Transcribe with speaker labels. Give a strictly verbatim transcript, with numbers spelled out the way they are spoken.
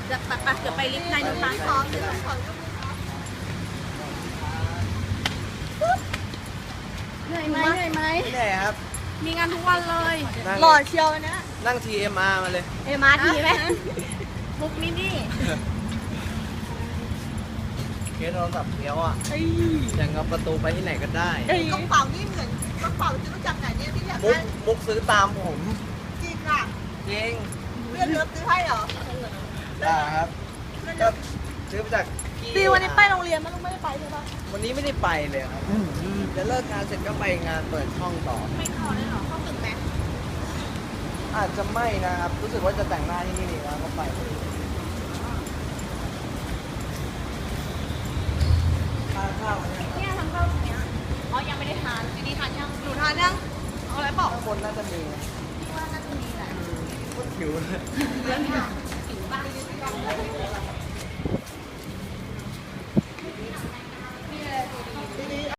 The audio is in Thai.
Speaker 1: จะไปไปเดี๋ยวไปลิฟต์ในดูร้านพร้อมเลยเหนื่อยไหมเหนื่อยไหม
Speaker 2: ไม่แน่ครับ
Speaker 1: มีงานทุกวันเลย
Speaker 2: นั่ง
Speaker 1: หล่อเชียวนะ
Speaker 2: นั่ง ที เอ็ม อาร์ มาเลย
Speaker 1: เอมาทีไหมมุกนี่นี่
Speaker 2: เคสโทรศัพท์เนี้ยวอ่ะอย่างกับประตูไปที่ไหนก็ได้
Speaker 3: กระเป๋านี่เหมือนกระเป๋าจะรู้จักไหนเนี่ยที่อยาก
Speaker 2: มุก
Speaker 3: ได้
Speaker 2: มุกซื้อตามผม
Speaker 3: จริงอ่ะ
Speaker 2: จริง
Speaker 3: เพื่อนเลิฟซื้อให้เหรอ
Speaker 2: อ่าครับก็ซื้อมาจากพี่
Speaker 3: ปีวันนี้ไปโรงเรียนมันต้องไม่ได้ไปใช่ปะ
Speaker 2: วันนี้ไม่ได้ไปเลยครับจะเลิกงานเสร็จก็ไปงานเปิดช่องต่อ
Speaker 1: ไม่พอเลยเหรอเข้าตึกไหม
Speaker 2: อาจจะไม่นะครับ รู้สึกว่าจะแต่งหน้าที่นี่นี่แล้วก็ไปทานข้าวกันยังครับ
Speaker 1: เนี่ยทำข้าวตรงเนี้ยอ๋อยังไม่ได้ทานอันนี้ทานยัง
Speaker 3: หนูทานยังเอาอะไรบอก
Speaker 2: ข้างบนน่าจะมีนะ
Speaker 1: ว่าน่าจะมีแหละ
Speaker 2: โคตรหิวเลย
Speaker 1: เรื่องค่ะหิวบ้าง